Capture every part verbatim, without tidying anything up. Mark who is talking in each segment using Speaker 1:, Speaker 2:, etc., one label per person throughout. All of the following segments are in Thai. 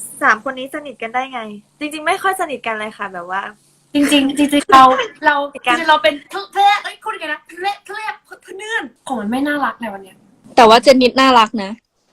Speaker 1: สามคนนี้สนิทกันได้ไง จริงๆไม่ค่อยสนิทกันเลยค่ะแบบว่า
Speaker 2: จริงๆจริงๆเราเราจริงๆเราเป็นเพื่อนเอ้ยคุณกันนะเพื่อนเพื่อนเพื่อนของมันไม่น่ารักในวันเนี้ย
Speaker 3: แต่ว่าเจนนิดน่ารักนะ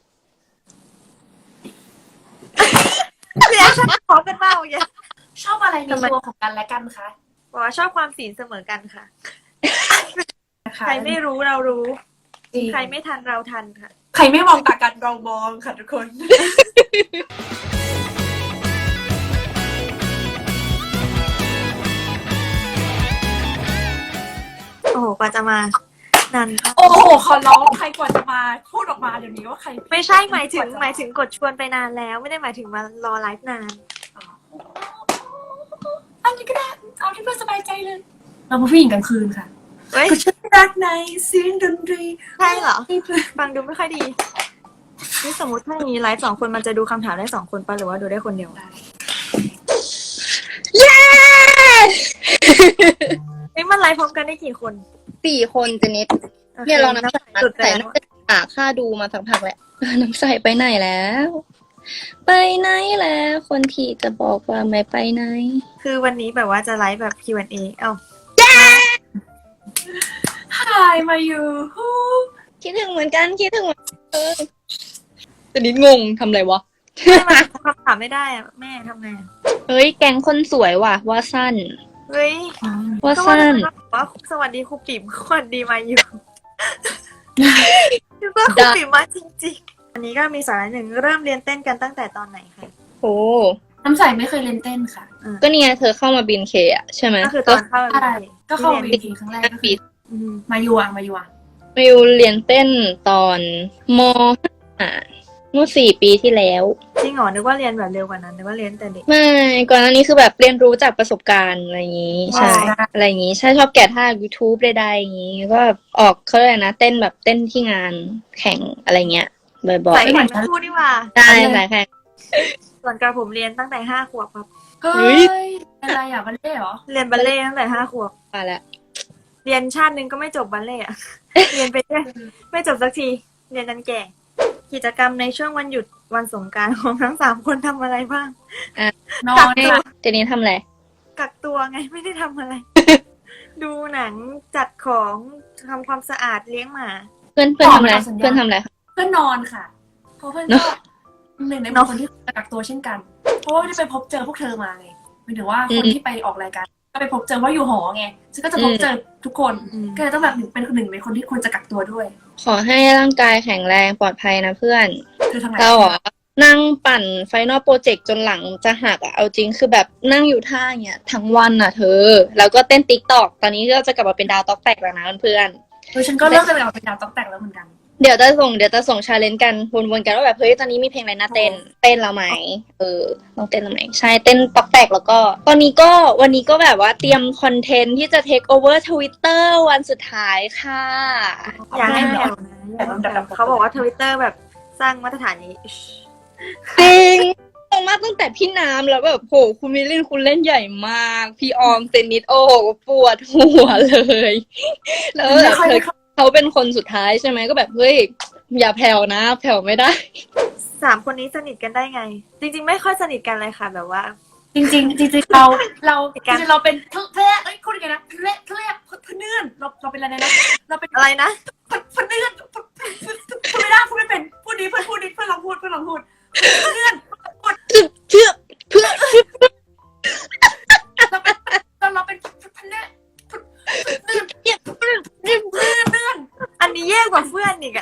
Speaker 1: เรียกชอบพร้อมกันมากอย่างเงี้ย
Speaker 2: ชอบอะไรในตัวของกันและกันคะ
Speaker 1: บอกว่าชอบความศีลเสมอกันค่ะ
Speaker 2: นะคะ
Speaker 1: ใครไม่รู้เรารู้
Speaker 2: จริง
Speaker 1: ใครไม่ทันเราทันค่ะ
Speaker 2: ใครไม่มองตากันเรามองค่ะทุกคน
Speaker 1: โอ้โหกว่าจะมานานมาก
Speaker 2: โอ้โหขอร้องใครกว่าจะมาพูดออกมาเดี๋ยวนี้ว่าใคร
Speaker 1: ไม่ใช่หมายถึงหมายถึงกดชวนไปนานแล้ว ไม่ได้หมายถึงมารอไลฟ์นาน
Speaker 2: อันนี้ก็ได้เอาที่เพื่อนสบายใจเลย เราเป็นผู้หญิงกลางคืนค่ะ
Speaker 1: เฮ้ย
Speaker 2: ก็ฉันรักในเสียงดนตรี
Speaker 1: ใช่เหรอ ฟังดูไม่ค่อยดี นี่สมมติถ้าอย่างนี้ไลฟ์สองคนมันจะดูคำถามได้สองคนปะหรือว่าดูได้คนเดียว
Speaker 3: เย้
Speaker 1: เอ้ยมันไลฟ์พร้อมกันได้กี่คน
Speaker 3: สี่คนเจนนิดเนี่ยเราน้ำใสน้ำใสน่าจะหาค่าดูมาสักพักแหละน้ำใสไปไหนแล้ว ไปไหนแล้ว คนที่จะบอกว่าไม่ไปไหน
Speaker 1: คือวันนี้แบบว่าจะไลฟ์แบบ คิว แอนด์ เอ เอ้า
Speaker 2: หายมาอยู่ฮู้
Speaker 3: คิดถึงเหมือนกันคิดถึงเหมือนกันเออเจนนิดงงทำอะไรวะ
Speaker 1: ไม่มาคำถามไม่ได้อะแม่ทำไงอะ
Speaker 3: เฮ้ยแกงคนสวยว่ะว่าสั้น
Speaker 1: เฮ้ย
Speaker 3: ว่า
Speaker 1: ก็ว่า
Speaker 3: สั้น
Speaker 1: จะบอกว่าสวัสดีครูปิ่มสวัสดีมาอยู่คือว่าครูปิ่มมาจริงๆ อันนี้ก็มีสาระหนึ่งเริ่มเรียนเต้นกันตั้งแต่ตอนไหนคะ
Speaker 3: โอ้
Speaker 2: น้ำใสไม่เคยเล่นเต้นค่ะ
Speaker 3: ก็นี่ไงเธอเข้ามาบินเคอะใช่ไหม
Speaker 1: ก็คือตอนเข้า
Speaker 2: ใช่ก็เข้า
Speaker 1: เรี
Speaker 2: เวย
Speaker 1: น
Speaker 2: ทีครั้งแรก
Speaker 3: ก็
Speaker 2: ก็
Speaker 3: ปี
Speaker 2: คือ
Speaker 1: อืม
Speaker 2: มาอยู่อ่ะมาอยู่อ่ะ
Speaker 3: มิวเรียนเต้นตอนมห้าเมื่อสี่ปีที่แล้ว
Speaker 1: จริงเหรอนึกว่าเรียนแบบเร็วกว่านั้นนึกว่าเรียนแต่เด็ก
Speaker 3: ไม่ก่อนหน้านี้คือแบบเรียนรู้จากประสบการณ์อะไรอย่างนี้ ใช่ อะไรอย่างนี้ใช่ชอบแกะท่า YouTube ใดๆอย่างนี้ก็ออกเขาเรียกอะไรนะเต้นแบบเต้นที่งานแข่งอะไรเงี้ยบ่อย
Speaker 1: ใส่แข่งทั้งคู่นี่หว่า
Speaker 3: ๆใช่สายแข่ง
Speaker 1: ส่วนกระผมเรียนตั้งแต่ห้าขวบครับ
Speaker 2: เฮ้
Speaker 3: เฮ้
Speaker 2: ย
Speaker 3: ย
Speaker 2: อะไรอ่ะบัลเล่เหรอ
Speaker 1: เรียนบัลเล่ต์ตั้งแต่ห้าขวบ
Speaker 3: มาแล้ว
Speaker 1: เรียนชาติหนึ่งก็ไม่จบบัลเล่ต์อะ เรียนไปเรื่อยไม่จบสักที เรียนจนแก่ กิจกรรมในช่วงวันหยุดวันสงกรานต์ของทั้งสามคนทำอะไรบ้าง
Speaker 2: นอ
Speaker 1: กั
Speaker 2: น
Speaker 1: กตัว
Speaker 3: เจนนี่ทำอะไร
Speaker 1: กักตัวไงไม่ได้ทำอะไร ดูหนังจัดของทำความสะอาดเลี้ยงหมา
Speaker 3: เพื่อนเพื่อนทำอะไรเพื่อนทำอะไรคะ
Speaker 2: เพื่อนนอนค่ะ เพราะเพื่อนก็หนึ่งในบุคคลที่กักตัวเช่นกัน เพราะว่าได้ไปพบเจอพวกเธอมาไงหมายถึงว่าคนที่ไปออกรายการก็ไปพบเจอว่าอยู่หอไงฉันก็จะพบเจอทุกคน
Speaker 1: อืม
Speaker 2: ก็เลยต้องแบบหนึ่งเป็นหนึ่งในคนที่ควรจะกักตัวด้วย
Speaker 3: ขอให้ร่างกายแข็งแรงปลอดภัยนะเพื่อน
Speaker 2: เธอทำไง
Speaker 3: เราอ่ะนั่งปั่นไฟนอลโปรเจกต์จนหลังจะหักอ่ะเอาจริงคือแบบนั่งอยู่ท่าเนี้ยทั้งวันอ่ะเธอ แล้วก็เต้นติ๊กตอกตอนนี้ก็จะกลับมาเป็นดาวต๊อกแตกแล้วนะเพื่อน
Speaker 2: เออฉันก็เริ่มจะไปออกเป็นดาวต๊อกแตกแล้วเหมือนกัน
Speaker 3: ๆเดี๋ยวจะส่งเดี๋ยวจะส่งชาเลนจ์กันวนๆกันว่าแบบเฮ้ยตอนนี้มีเพลงอะไรน่าเต้นเต้นแล้วไหมเออต้องเต้นแล้วไหมใช่เต้นต๊อกแตกแล้วก็ ตอนนี้ก็วันนี้ก็แบบว่าเตรียมคอนเทนต์ที่จะเทคโอเวอร์ทวิตเตอร์วันสุดท้ายค่ะ
Speaker 1: อย่าให้แผ่วนะอย่าให้แผ่วเขาบอกว่าทวิตเตอร์แบบสร้างมาตรฐานนี้
Speaker 3: จริงตรงมากตั้งแต่พี่น้ำแล้วแบบโหคุณมิลลินคุณเล่นใหญ่มาก พี่ออมเซนนิดโอ้โหปวดหัวเลย แล้วแบบเธอเขาเป็นคนสุดท้ายใช่ไหมก็แบบเฮ้ยอย่าแผ่วนะแผ่วไม่ได้
Speaker 1: สามคนนี้สนิทกันได้ไง จริง ๆ ไม่ค่อยสนิทกันเลยค่ะ แบบว่า
Speaker 2: จริงๆจริงๆเราเราจริงๆเราเป็นเพื่อนเอ้ยคุณกันนะเพื่อนเพื่อนเพื่อนเพื่อนเราเราเป็นอะไรนะเราเป็น
Speaker 1: อะไรนะ
Speaker 2: เพื่อนเพื่อนเพื่อนพูดไม่ได้พูดไม่เป็นพูดดีเพื่อนพูดดีเพื่อนลองพูดเพื่อนลองพูดเพื่อนพูด
Speaker 3: เพื่อเพื่อ
Speaker 2: เราเป็นเราเป็นเพื่อนเพื่อนเพื่อนเพื่อนเพื่อน
Speaker 1: อันนี้แย่กว่าเพื่อนอีกอะ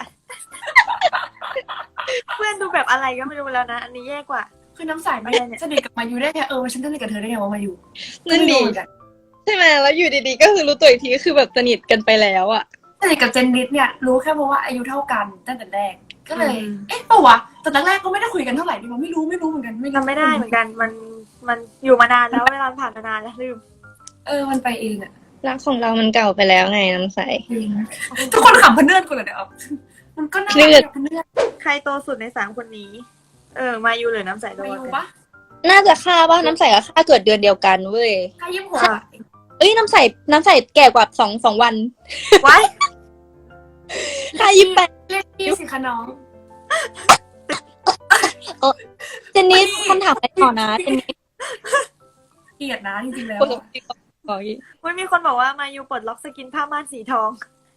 Speaker 1: เพื่อนดูแบบอะไรก็ไม่รู้แล้วนะ อันนี้แย่กว่า
Speaker 2: คือน้ำใสไม่สนิทกับมายูได้ไงเออฉันสนิทกับเธอได้ไงว่ามายู
Speaker 3: นั่นดีใช่ไหมแล้วอยู่ดีๆก็คือรู้ตัวอีกทีก็คือแบบสนิทกันไปแล้วอ่ะ
Speaker 2: สนิทกับเจนนิดเนี่ยรู้แค่เพราะว่าอายุเท่ากันตั้งแต่แรกก็เลย
Speaker 1: อืม
Speaker 2: เอ๊ะปะวะตอนแรกก็ไม่ได้คุยกันเท่าไหร่ดิมันไม่รู้ไม่รู้เหมือนกันไม่รู้
Speaker 1: จำไม่ได้เหมือนกัน มัน มันอยู่มานานแล้วเวลาผ่านมานานแล้วลืม
Speaker 2: เออมันไปเองอะ
Speaker 3: รักของเรามันเก่าไปแล้วไงน้ำใส
Speaker 2: ทุกคนขำพเนื่อนกูเลยเดี๋ยวมันก็น่า
Speaker 3: เนื่
Speaker 2: รั
Speaker 3: อน
Speaker 2: กพเนื่อน
Speaker 1: ใครโตสุดในสามคนนี้ เออ มายูหรือน้ำใสโต
Speaker 2: มา
Speaker 1: กั
Speaker 2: ยู
Speaker 1: น
Speaker 2: ปะ
Speaker 3: น่าจะค่าป่ะน้ำใสกับค่าเกิดเดือนเดียวกันเว้ย
Speaker 2: ใครยิ้มหัว
Speaker 3: เอ้ยน้ำใสน้ำใสแก่กว่าสองสองวัน
Speaker 1: ไว้
Speaker 3: ค่ายี่สิบแปด
Speaker 2: เรียกพี่สิคะน้อง
Speaker 3: เจนนี่คำถามอะไรต่อนะเจนนี่
Speaker 2: เกลียดนะจริงๆแล้ว
Speaker 3: คนบอก
Speaker 1: มันมีคนบอกว่ามายูปลดล็อกสกินผ้าม่านสีทอง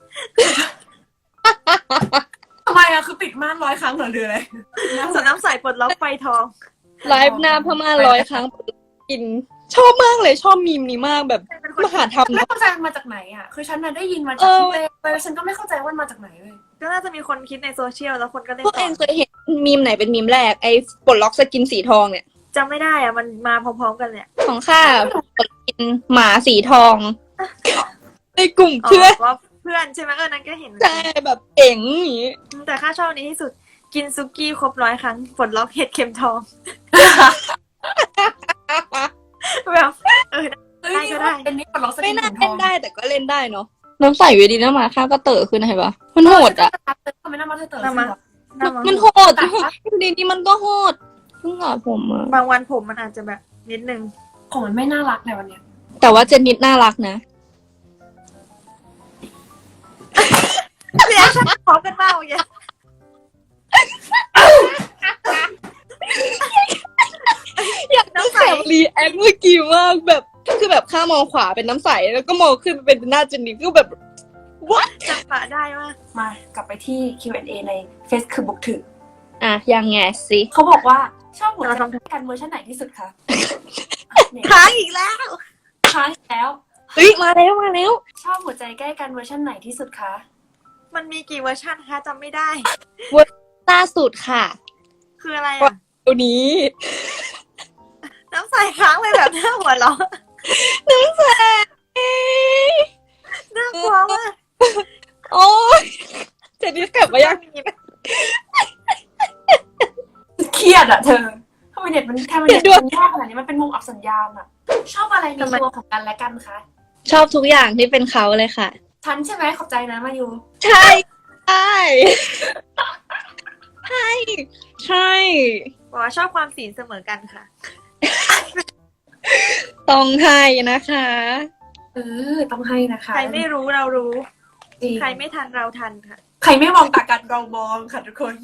Speaker 2: ทำไมอะคือปิดม่านร้อยครั้งเหรอหรืออะไร
Speaker 1: ส่วนน้ำใสปลดล็อกไฟทอง
Speaker 3: ไลฟ์หน้าพม่าร้อยครั้งกิน ชอบมากเลยชอบมีมนี้มากแบบมหาธรรม
Speaker 2: ไม่
Speaker 3: นะ
Speaker 2: เข้าใจมันมาจากไหนอะคือฉันน่ะได้ยินมาจากพี่เต้ไปฉันก็ไม่เข้าใจว่ามันมาจากไหนเลย
Speaker 1: ก็น่าจะมีคนคิดในโซเชียลแล้วคนก็เล่น
Speaker 3: พวก
Speaker 1: ต่
Speaker 3: เอ
Speaker 1: อง
Speaker 3: เคยเห็นมีมไหนเป็นมีมแรกไอ้ปลดล็อกสกินสีทองเนี่ย
Speaker 1: จำไม่ได้อะมันมาพร้อมๆกันเลยอะ
Speaker 3: ของข้าปลดกินหมาสีทอง ในกลุ่ม
Speaker 1: อ๋อ
Speaker 3: เพื่อน
Speaker 1: ว่าเพื่อนใช่ไหมเออนั้นก็เห็น
Speaker 3: ใช่แบบเอ๋งอย่างนี้
Speaker 1: แต่ข้าชอบอันนี้ที่สุดกินซุกี้ครบร้อยครั้งปลดล็อกเห็ดเข็มทอง แบบเออ
Speaker 2: เฮ้ยนี่ว่าเป็นนี่ปลดล็อกส
Speaker 3: ไม่
Speaker 2: กิน
Speaker 3: น่า
Speaker 2: ถุงท
Speaker 3: เล่
Speaker 2: อน ง
Speaker 3: ได้แต่ก็เล่นได้เนาะน้ำใสเวดีน้ำมาข้าก็เต๋อขึ้นนะเห็นปะมันโหดอ่ะ
Speaker 2: ทำไมหน้ามาเธอเต๋อ
Speaker 1: น้ำมา
Speaker 3: มัน
Speaker 1: น้ำมัน
Speaker 3: มันโหดดีนี้มันก็โหดเพิ่งอ่ะผมอ่ะ
Speaker 1: บางวันผมมันอาจจะแบบนิดนึง
Speaker 2: ของมันไม่น่ารักในวันเนี้ย
Speaker 3: แต่ว่าเจนนิดน่ารักนะ
Speaker 1: เรียกฉันพร้อมกันมากเลย
Speaker 3: อยากน้ำใสรีแอคเมื่อกี้มากแบบคือแบบข้ามองขวาเป็นน้ำใสแล้วก็มองขึ้นเป็นหน้าเจนนิดก็แบบ what
Speaker 1: จังหวะได้มาก
Speaker 2: มากลับไปที่ คิว แอนด์ เอ ใน Face คือบุกถึก
Speaker 3: อ่ะยังไงสิ
Speaker 2: เขาบอกว่าชอบหัวใจกันเวอร์ชันไหนที่สุดคะเนี่ย
Speaker 1: ค้างอีกแล้ว
Speaker 2: ค้างอีกแล้ว
Speaker 3: เฮ้ยมาแล้วมาแล้ว
Speaker 2: ชอบหัวใจใกล้กันเวอร์ชันไหนที่สุดคะ
Speaker 1: มันมีกี่เวอร์ชันคะจำไม่ได้
Speaker 3: ล่าสุดค่ะ
Speaker 1: คืออะไรอ่ะ
Speaker 3: ตัวนี้
Speaker 1: น้ำใสค้างไปแบบหน้าหัวเราะ
Speaker 3: น้ำใส
Speaker 1: น่ากลัวมาก
Speaker 3: โอ้ยเจนนิดกลับมายัง
Speaker 2: เครียดอะเธอทำไมเน็ตมันทำไมเน็ตมันยากขนาดนี้มันเป็นมุมอับสัญญาณอะชอบอะไรในตัวของกันและกันคะ
Speaker 3: ชอบทุกอย่างที่เป็นเขาเลยค่ะ
Speaker 2: ฉันใช่ไหมขอบใจนะมายู
Speaker 3: ใช่ใช่ใช่ใช่
Speaker 1: บอกว่าชอบความศีลเสมอกันค่ะ
Speaker 3: ต้องให้นะคะ
Speaker 2: เออต้องให้นะคะ
Speaker 1: ใครไม่รู้เรารู้
Speaker 2: จริง
Speaker 1: ใครไม่ทันเราทันค่ะ
Speaker 2: ใครไม่มองตากันเรามองค่ะทุกคน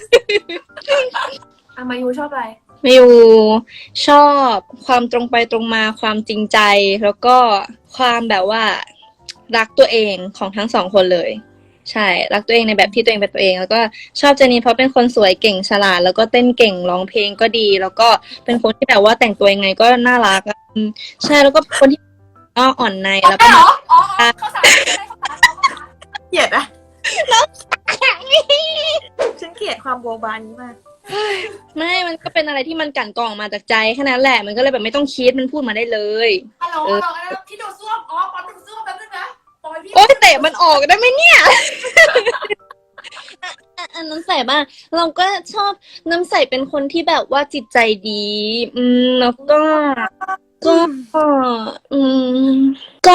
Speaker 2: อามายูชอบอะไร
Speaker 3: มิวชอบความตรงไปตรงมาความจริงใจ แล้วก็ความแบบว่ารักตัวเองของทั้งสองคนเลย ใช่รักตัวเองในแบบที่ตัวเองเป็นตัวเอง แล้วก็ชอบเจนนี่เพราะเป็นคนสวยเก่งฉลาด แล้วก็เต้นเก่งร้องเพลงก็ดี แล้วก็เป็นคนที่แบบว่าแต่งตัวยังไงก็น่ารักอะอืมใช่แล้วก็เป็นคนที่อ้ออ่อนในแล้วก็
Speaker 2: เหรออ๋อเขาสารเขาสาร
Speaker 1: เกลียดอะฉันเกลียดความโบบานี้มาก
Speaker 3: ไม่มันก็เป็นอะไรที่มันกลั่นกรองมาจากใจแค่นั้นแหละมันก็เลยแบบไม่ต้องคิดมันพูดมาได้เลย
Speaker 2: ฮัลโหลฮัลโหลที่ดูซ่วมอ๋อปอนดูซ่วมแป๊บนึงนะปอยพี่
Speaker 3: โอ๊ยเตะมันออกได้ไหมเนี่ยอันน้ำใสบ้างเราก็ชอบน้ำใสเป็นคนที่แบบว่าจิตใจดี อืมแล้วก็ก็อืมก็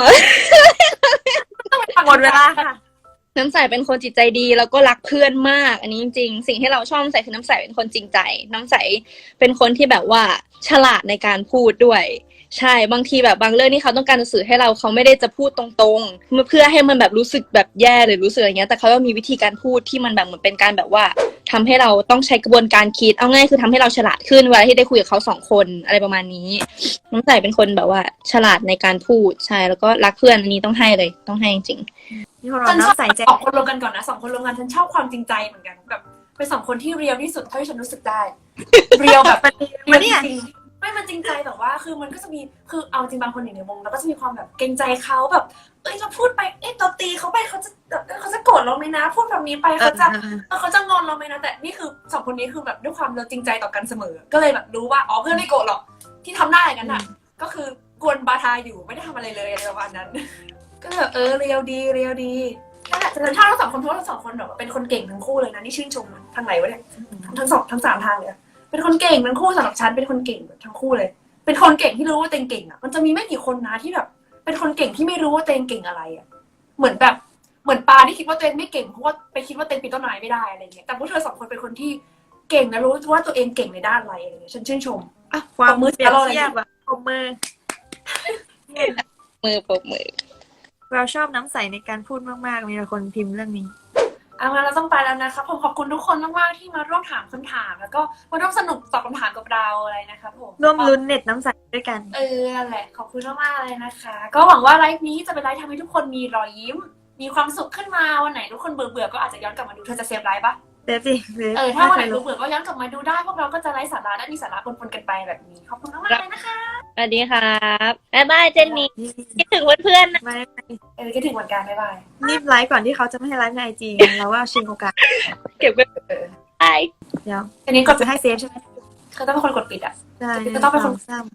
Speaker 1: หมดเวลาค่ะ
Speaker 3: น้ำใสเป็นคนจิตใจดีแล้วก็รักเพื่อนมาก อันนี้จริงๆสิ่งที่เราชอบน้ำใสคือน้ำใสเป็นคนจริงใจ น้ำใสเป็นคนที่แบบว่าฉลาดในการพูดด้วย ใช่บางทีแบบบางเรื่องที่เขาต้องการจะสื่อให้เราเขาไม่ได้จะพูดตรงๆเพื่อให้มันแบบรู้สึกแบบแย่หรือรู้สึกอะไรเงี้ยแต่เขาต้องมีวิธีการพูดที่มันแบบเหมือนเป็นการแบบว่าทำให้เราต้องใช้กระบวนการคิดเอาง่ายคือทำให้เราฉลาดขึ้นเวลาที่ได้คุยกับเขาสองคนอะไรประมาณนี้น้ำใสเป็นคนแบบว่าฉลาดในการพูดใช่แล้วก็รักเพื่อนอันนี้ต้องให้เลยต้องให้จริง
Speaker 1: มีคนบ
Speaker 2: ฉั
Speaker 1: อก
Speaker 2: นชอบ
Speaker 1: น้ำใสใจ
Speaker 2: สองคนรวมกันก่อนนะสองคนรวมกันฉันชอบความจริงใจเหมือนกันแบบเป็นสองคนที่เรียลที่สุดเท่าที่ฉันรู้สึกได้เรียลแบบ
Speaker 1: มันเนี่ย
Speaker 2: จริงๆไม่มันจริงใจแบบว่าคือมันก็จะมีคือเอาจริงบางคนอยู่ในวงแล้วก็จะมีความแบบเกรงใจเขาแบบเอ้ยเราพูดไปเอ้ยเราตีเขาไปเขาจะแบบเขาจะโกรธเราไหมนะ พูดแบบนี้ไปเขาจะเขาจะงอนเราไหมนะแต่นี่คือสองคนนี้คือแบบด้วยความเราจริงใจต่อกันเสมอ ก็เลยแบบรู้ว่าอ๋อเพื่อนไม่โกรธหรอกที่ทำได้อย่างนั้นอ่ะก็คือกวนบาทาอยู่ไม่ได้ทำอะไรเลยอะไรประมาณนั้น ก็แบบเออเรียวดีเรียวดีนั่นแหละฉันชอบทั้งสองคนเพราะว่าทั้งสองคนแบบเป็นคนเก่งทั้งคู่เลยนะนี่ชื่นชมทางไหนวะเนี่ยทั้งสองทั้งสามทางเลยอะเป็นคนเก่งทั้งคู่สำหรับฉันเป็นคนเก่งทั้งคู่เลย เป็นคนเก่งที่รู้ว่าตัวเองเก่งอ่ะมันจะมีไม่กี่คนนะที่แบบ เป็นคนเก่งที่ไม่รู้ว่าตัวเองเก่งอะไรอ่ะเหมือนแบบเหมือนปลาที่คิดว่าตัวเองไม่เก่งเพราะว่าไปคิดว่าตัวเองปีนต้นไม้ไม่ได้อะไรเงี้ยแต่พวกเธอสองคนเป็นคนที่เก่งและรู้ว่าตัวเองเก่งในด้านอะไรอะไรเงี้ยฉันชื่นชม
Speaker 1: อ่ะความมือเปรียบเทียบแบบปรบมือ
Speaker 3: มือปรบมือ
Speaker 1: เราชอบน้ำใสในการพูดมากๆมีแต่คนพิมพ์เรื่องนี้
Speaker 2: อเอางั้นเราต้องไปแล้วนะคะผมขอบคุณทุกคนมากๆที่มาร่วมถามคำถาม แล้วก็มาร่วมสนุกตอบคำถามกับเราอะไรนะคะผม
Speaker 1: ร่วมลุ้นเน็ตน้ำใสด้วยกัน
Speaker 2: เออนั่นแหละขอบคุณมากๆเลยนะคะ ก็หวังว่าไลฟ์นี้จะเป็นไลฟ์ทำให้ทุกคนมีรอยยิ้ม มีความสุขขึ้นมาวันไหนทุกคนเบื่อเบื่อๆก็อาจจะย้อนกลับมาดูเธอจะเซฟไลฟ์ปะ
Speaker 1: เซฟสิเซฟ
Speaker 2: เออถ้าวันไหน
Speaker 1: ม่เคย
Speaker 2: เบื่
Speaker 1: รู้
Speaker 2: อเบื่อๆก็ย้อนกลับมาดูได้พวกเราก็จะไลฟ์สาระและมีสาระปนๆกันไปแบบนี้ขอบคุณมากๆเลยนะคะ
Speaker 3: สวัสดีครับบ๊ายบายเจนนี่คิดถึงเพื่อนๆนะ
Speaker 1: ไม่ไม่
Speaker 2: เออคิดถึงเหมือนกันบ๊ายบาย
Speaker 1: รีบไลฟ์ก่อนที่เขาจะไม่ให้ไลฟ์ในไอจีเราว่าชิงโอกาส
Speaker 3: เก็บไว้ไป
Speaker 1: เดี๋ยว
Speaker 2: อันนี้กด
Speaker 1: จะให้เซฟใช่ไหม
Speaker 2: เขาต้องเป็นคนกดปิดอ่ะ
Speaker 1: ใช่
Speaker 2: จะต้องเป็นคน
Speaker 1: สาม